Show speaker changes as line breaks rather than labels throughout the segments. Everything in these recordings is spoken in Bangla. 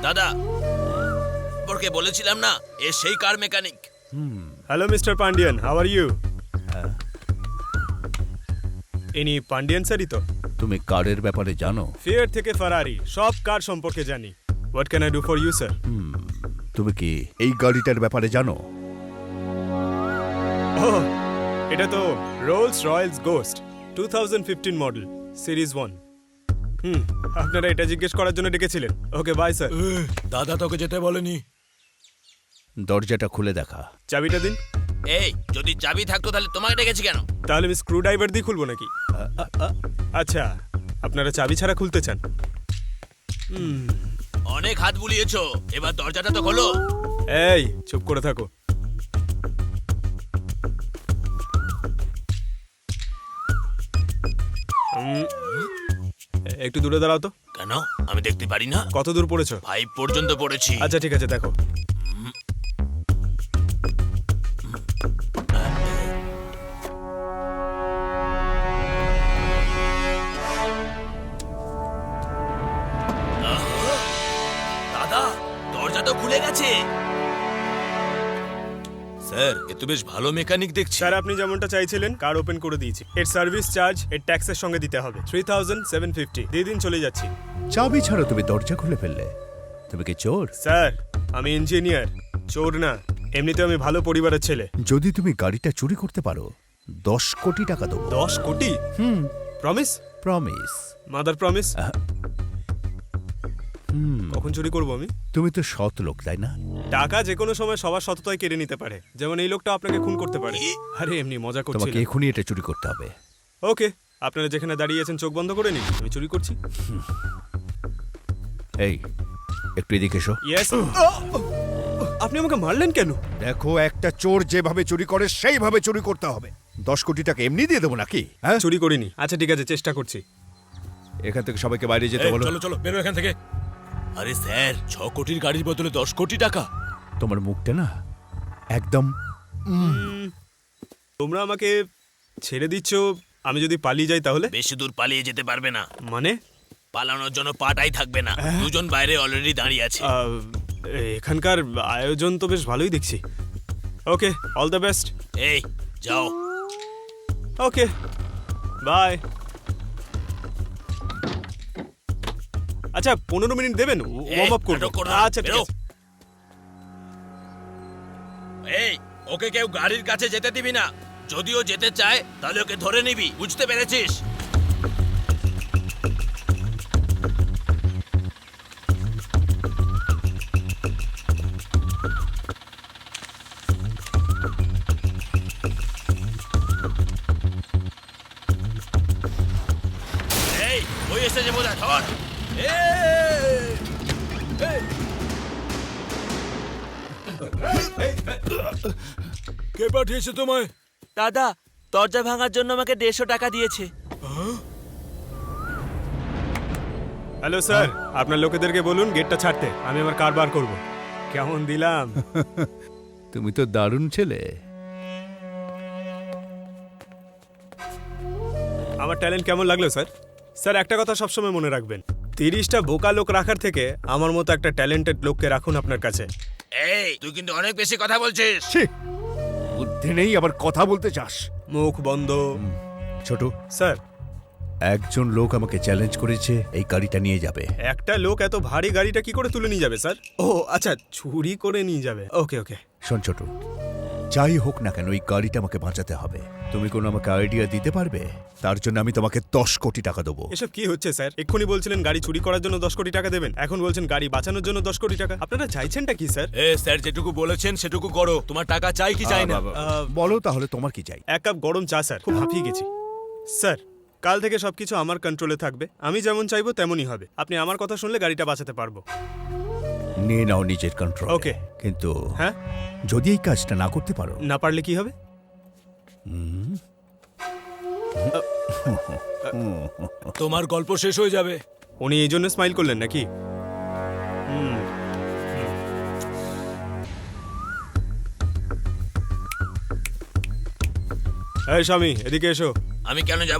দাদা, ওকে বলেছিলাম না এ সেই car mechanic.
Hello mister Pandian, how are you? ইনি পান্ডিয়ান স্যারই তো?
তুমি কারের ব্যাপারে জানো?
ফিয়ার থেকে ফারারি সব কার সম্পর্কে জানি। What can I do for you sir?
তুমি কি এই গাড়িটার ব্যাপারে জানো?
ওহ, এটা তো Rolls Royce Ghost 2015 model series 1। আপনারা এটা জিজ্ঞেস করার জন্য ডেকেছিলেন। Okay bye sir.
দাদা তোকে যেতে বলেনি।
দরজাটা খুলে দেখা।
চাবিটা দিন।
এই যদি চাবি থাকতো তাহলে তোমাকে ডেকেছি কেন?
তাহলে আমি স্ক্রু ড্রাইভার দিয়ে খুলবো নাকি? আচ্ছা, আপনারা চাবি ছাড়া খুলতে চান?
অনেক হাত বুলিয়েছো, এবার দরজাটা তো খোলো।
এই চুপ করে থাকো। একটু দূরে দাঁড়াও তো।
কেন? আমি দেখতে পারি না?
কত দূর পড়েছো?
5 পর্যন্ত পড়েছি।
আচ্ছা ঠিক আছে, দেখো।
দাদা, দরজা তো খুলে গেছে। স্যার, এ তো বেশ ভালো মেকানিক দেখছি।
স্যার আপনি যেমনটা চাইছিলেন কার ওপেন করে দিয়েছি। এর সার্ভিস চার্জ এর ট্যাক্সের সঙ্গে দিতে হবে 3750। দিয়ে দিন, চলে যাচ্ছি।
চাবি ছাড়া তুমি দরজা খুলে ফেললে। তুমি কি চোর?
স্যার আমি ইঞ্জিনিয়ার, চোর না। এমনিতে আমি ভালো পরিবারের ছেলে।
যদি তুমি গাড়িটা চুরি করতে পারো 10 কোটি টাকা দেবো।
10 কোটি? প্রমিস?
প্রমিস।
Mother promise. কখন চুরি করবো আমি?
তুমি তো সৎ লোক, তাই না?
টাকা যে কোনো সময় সবার সততায় কেড়ে নিতে পারে, যেমন এই লোকটা আপনাকে খুন করতে পারে। আরে এমনি মজা করছি।
তোমাকে এখনই এটা চুরি করতে হবে।
ওকে, আপনারা যেখানে দাঁড়িয়ে আছেন চোখ বন্ধ করে নিন, আমি চুরি করছি।
এই একটু এদিকে এসো।
ইয়েস। আপনি আমাকে মারলেন কেন?
দেখো, একটা চোর যেভাবে চুরি করে সেইভাবে চুরি করতে হবে। 10 কোটি টাকা এমনি দিয়ে দেবো নাকি? হ্যাঁ,
চুরি করিনি। আচ্ছা ঠিক আছে, চেষ্টা করছি।
এখান থেকে সবাইকে বাইরে যেতে বলো।
চলো চলো, বেরো এখান থেকে। আরে স্যার, 6 কোটির গাড়ির বদলে 10 কোটি টাকা।
তোমার মুখটা না একদম।
তোমরা আমাকে ছেড়ে দিচ্ছ, আমি যদি পালিয়ে যাই তাহলে?
বেশি দূর পালিয়ে যেতে পারবে না।
মানে?
পালানোর জন্য পাটাই থাকবে না। দুজন বাইরে অলরেডি দাঁড়িয়ে আছে।
এখানকার আয়োজন তো বেশ ভালোই দেখছি। Okay, all the best.
এই যাও।
Okay bye. আচ্ছা 15 মিনিট দেবেন, ওয়ার্ম আপ করব।
নাটক করো না,
আচ্ছা ঠিক
বেরো।
আছে।
এই ওকে কেউ গাড়ির কাছে যেতে দিবি না। যদিও যেতে চায় তাহলে ওকে ধরে নিবি, বুঝতে পেরেছিস? এই ওই এসেছে বোধহয়, ধর। কে পাঠিয়েছে তোমায়?
দাদা, দরজা ভাঙার জন্য আমাকে 150 টাকা দিয়েছে।
হ্যালো স্যার, আপনার লোকেদেরকে বলুন গেটটা ছাড়তে, আমি আমার কার বার করব। কেমন দিলাম?
তুমি তো দারুণ ছেলে।
আমার ট্যালেন্ট কেমন লাগলো স্যার? স্যার একটা কথা সবসময় মনে রাখবেন, 30টা বোকা লোক রাখার থেকে আমার মতো একটা ট্যালেন্টেড লোককে রাখুন আপনার কাছে।
এই তুই কিন্তু অনেক বেশি কথা বলছিস।
ছি, বুদ্ধি নেই আবার কথা বলতে চাস।
মুখ বন্ধ।
ছোট,
স্যার
একজন লোক আমাকে চ্যালেঞ্জ করেছে এই গাড়িটা নিয়ে যাবে।
একটা লোক এত ভারী গাড়িটা কি করে তুলে নিয়ে যাবে স্যার? ও আচ্ছা, চুরি করে নিয়ে যাবে। ওকে ওকে।
শোন ছোট, যাই হোক না কেন এই গাড়িটা আমাকে বাঁচাতে হবে। তুমি কোনো আমাকে আইডিয়া দিতে পারবে? তার জন্য আমি তোমাকে 10 কোটি টাকা দেবো।
এসব কি হচ্ছে স্যার? এক্ষুনি বলছিলেন গাড়ি চুরি করার জন্য 10 কোটি টাকা দেবেন, এখন বলছেন গাড়ি বাঁচানোর জন্য 10 কোটি টাকা। আপনারা চাইছেনটা কি স্যার?
স্যার যেটুকু বলেছেন সেটুকু করো। তোমার টাকা চাই কি চাই না?
বলো তাহলে তোমার কি চাই?
1 কাপ গরম চা স্যার, খুব হাঁপিয়ে গেছি। স্যার কাল থেকে সবকিছু আমার কন্ট্রোলে থাকবে, আমি যেমন চাইবো তেমনই হবে। আপনি আমার কথা শুনলে গাড়িটা বাঁচাতে পারবো।
নিয়ে নাও নিজের কন্ট্রোল।
ওকে।
কিন্তু
হ্যাঁ,
যদি এই কাজটা না করতে পারো?
না পারলে কি হবে?
তোমার গল্প শেষ হয়ে যাবে।
উনি এই জন্য স্মাইল করলেন নাকি? এই স্বামী এদিকে এসো।
আমি কেন যাব?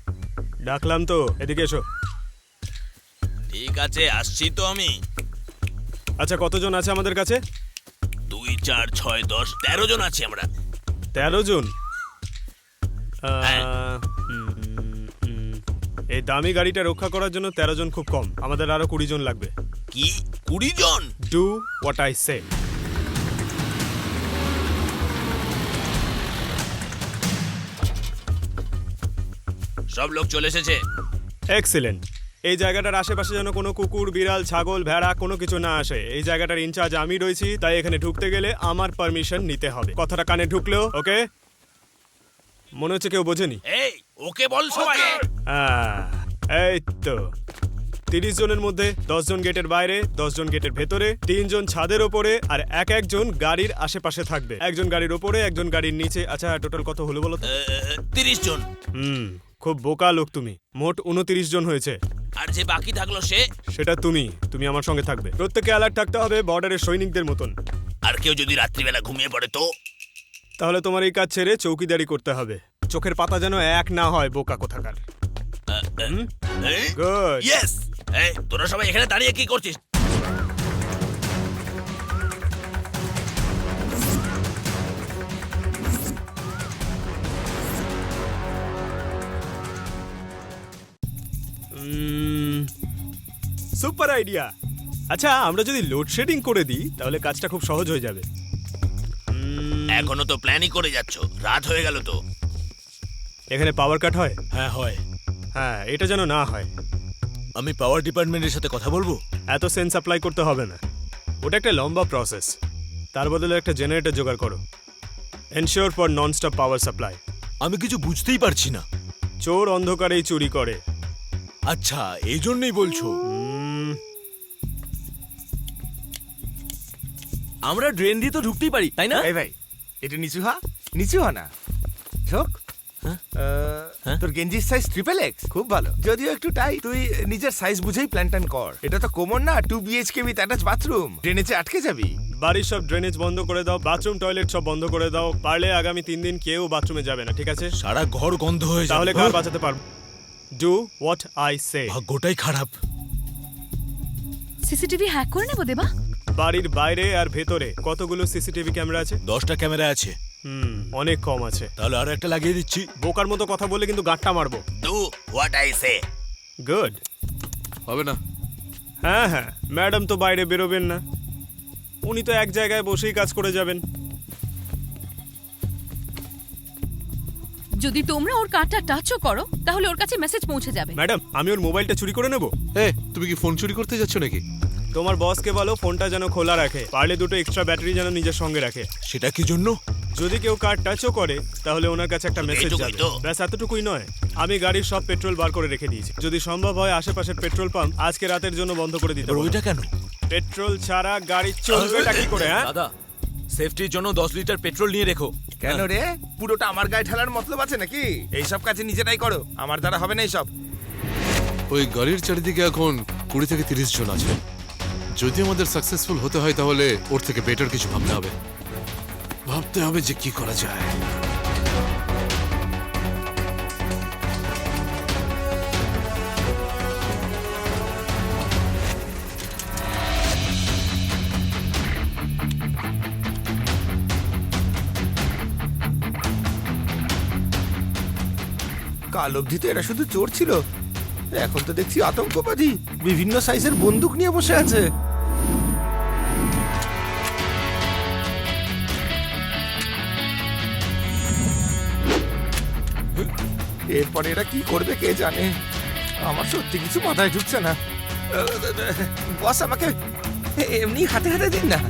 ডাকলাম তো, এদিকে এসো।
ঠিক আছে, আসছি তো আমি।
আচ্ছা, কতজন আছে আমাদের কাছে?
2, 4, 6, 10, 13 জন আছি আমরা।
13 জন।
হ্যাঁ।
এই দামি গাড়িটা রক্ষা করার জন্য 13 জন খুব কম। আমাদের আরো 20 জন লাগবে।
কি 20 জন?
Do what I say.
সব লোক চলে এসেছে।
এক্সিলেন্ট। এই জায়গাটার আশেপাশে যেন কোনো কুকুর, বিড়াল, ছাগল, ভেড়া কোনো কিছু না আসে। এই জায়গাটার ইনচার্জ আমি রয়েছি, তাই এখানে ঢুকতে গেলে আমার পারমিশন নিতে হবে। কথাটা কানে ঢুকলেও ওকে? মনে হচ্ছে কেউ বোঝেনি।
এই ওকে বল সবাই।
এই তো 30 জনের মধ্যে 10 জন গেটের বাইরে, 10 জন গেটের ভেতরে, 3 জন ছাদের ওপরে, আর একজন গাড়ির আশেপাশে থাকবে। একজন গাড়ির ওপরে, একজন গাড়ির নিচে। আচ্ছা, টোটাল কত হলো বলো তো?
30 জন।
খুব বোকা লোক তুমি। মোট 29 জন হয়েছে।
আর যে বাকি থাকলো সে?
সেটা তুমি আমার সঙ্গে থাকবে। প্রত্যেককে অ্যালার্ট থাকতে হবে, বর্ডারের সৈনিকদের মতন।
আর কেউ যদি রাত্রিবেলা ঘুমিয়ে পড়ে তো?
তাহলে তোমার এই কাজ ছেড়ে চৌকিদারি করতে হবে। চোখের পাতা যেন এক না হয়, বোকা কোথাকার। গুড।
ইয়েস। এই তোরা সবাই এখানে দাঁড়িয়ে কি করছিস?
Super idea. আচ্ছা, আমরা যদি লোডশেডিং করে দিই তাহলে কাজটা খুব সহজ হয়ে যাবে।
এখনো তো প্ল্যানই করে যাচ্ছ, রাত হয়ে গেল তো।
এখানে পাওয়ার কাট হয়?
হ্যাঁ হয়।
হ্যাঁ, এটা যেন না হয়।
আমি পাওয়ার ডিপার্টমেন্টের সাথে কথা বলবো।
এত সেন্স অ্যাপ্লাই করতে হবে না, ওটা একটা লম্বা প্রসেস। তার বদলে একটা জেনারেটর জোগাড় করো। Ensure for non stop power supply.
আমি কিছু বুঝতেই পারছি না।
চোর অন্ধকারেই চুরি করে।
আচ্ছা, এই জন্যই বলছো?
আমরা ড্রেন দিয়ে তো ঢুকতেই পারি, তাই না?
এই ভাই, এটা নিচু হ না। শোক, তোর গেঞ্জির সাইজ XXX, খুব ভালো। যদিও একটু টাই, তুই নিজের সাইজ বুঝেই প্ল্যান ট্যান কর। এটা তো কোমর না, 2 BHK উইথ অ্যাটাচ বাথরুম। ড্রেনেজে আটকে যাবি।
বাড়ির সব ড্রেনেজ বন্ধ করে দাও, বাথরুম টয়লেট সব বন্ধ করে দাও। পারলে আগামী 3 দিন কেউ বাথরুমে যাবে না, ঠিক আছে?
সারা ঘর গন্ধ হয়ে যাবে।
তাহলে কার বাঁচাতে পারবো? Do what I say.
ভাগ্যটাই খারাপ।
সিসিটিভি হ্যাক করে নেবো দেবা।
বাড়ির বাইরে আর ভেতরে কতগুলো সিসিটিভি ক্যামেরা আছে?
10টা ক্যামেরা আছে।
অনেক কম আছে।
তাহলে আর একটা লাগিয়ে দিচ্ছি।
বোকার মতো কথা বলে কিন্তু গাঁটটা মারবো।
Do what I say.
Good.
হবে না।
হ্যাঁ, ম্যাডাম তো বাইরে বেরোবেন না, উনি তো এক জায়গায় বসেই কাজ করে যাবেন।
যদি তোমরা ওর কার্ডটা টাচও করো তাহলে ওর কাছে মেসেজ পৌঁছে যাবে।
ম্যাডাম, আমি ওর মোবাইলটা চুরি করে নেব?
তুমি কি ফোন চুরি করতে যাচ্ছ নাকি?
তোমার বসকে বলো ফোনটা যেন খোলা রাখে, পারলে 2টো এক্সট্রা ব্যাটারি যেন নিজের সঙ্গে রাখে।
সেটা কি জন্য?
যদি কেউ কার্ড টাচও করে তাহলে ওনার কাছে একটা মেসেজ
এইটুকুই
যাবে।
তো?
ব্যাস এতটুকুই নয়, আমি গাড়ির সব পেট্রোল বার করে রেখে দিয়েছি। যদি সম্ভব হয় আশেপাশের পেট্রোল পাম্প আজকে রাতের জন্য বন্ধ করে দিতে
আর
বলো।
ওইটা কেন?
পেট্রোল ছাড়া গাড়ি চলবেটা কি করে? হ্যাঁ,
দাদা, সেফটির জন্য 10 লিটার পেট্রোল নিয়ে রেখো।
কেন রে, পুরোটা আমার গায়ে ঢালার মতলব আছে নাকি? এইসব কাজে নিজেরাই করো, আমার দ্বারা হবে না এইসব।
ওই গাড়ির চারিদিকে এখন 20 থেকে 30 জন আছে। যদি আমাদের সাকসেসফুল হতে হয় তাহলে ওর থেকে বেটার কিছু ভাবতে হবে যে কি করা যায়।
কাল অবধি তো এরা শুধু চোর ছিল, এখন তো দেখছি আতঙ্কবাদী, বিভিন্ন সাইজের বন্দুক নিয়ে বসে আছে। এরপরে এরা কি করবে কে জানে। আমার সত্যি কিছু মাথায় ঢুকছে না। বস, আমাকে এমনি হাতে হাতে দিন না।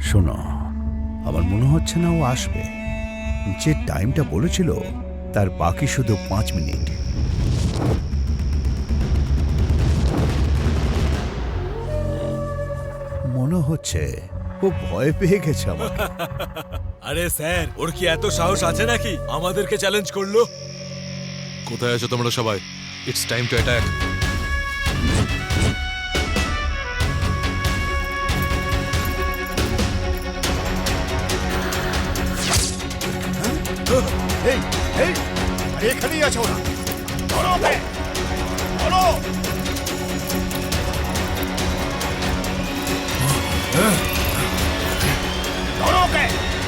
শোনো, আমার মনে হচ্ছে না ও আসবে। যে টাইমটা বলেছিল তার বাকি শুধু 5 মিনিট। মনে হচ্ছে ও ভয় পেয়ে গেছে আমাকে।
আরে স্যার, ওর কি এত সাহস আছে নাকি আমাদেরকে চ্যালেঞ্জ করলো?
কোথায় আছো তোমরা সবাই? It's time to attack.
এই এই আরে এখানেই আছো না, ধরো ওকে, ধরো। ধরো ওকে।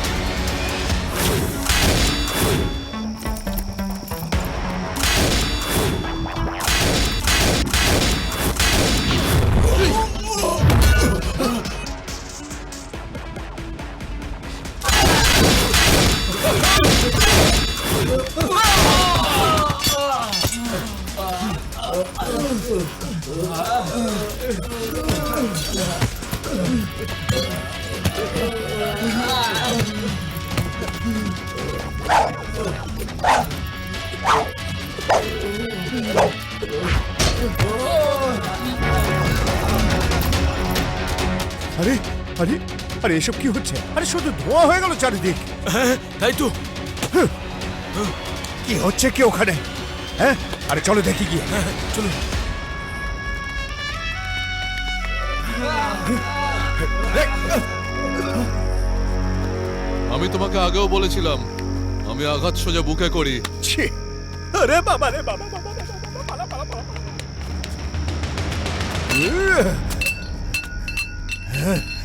আরে আরে আরে এসব কি হচ্ছে? আরে শুধু ধোঁয়া হয়ে গেল চারিদিক।
তাই তো।
কি হচ্ছে কি ওখানে? হ্যাঁ, আরে চলো দেখি গিয়ে।
চলো।
আমি তোমাকে আগেও বলেছিলাম আমি আঘাত সোজা বুকে করি।
ছি, আরে বাবা রে বাবা বাবা বাবা, বাবা, বাবা।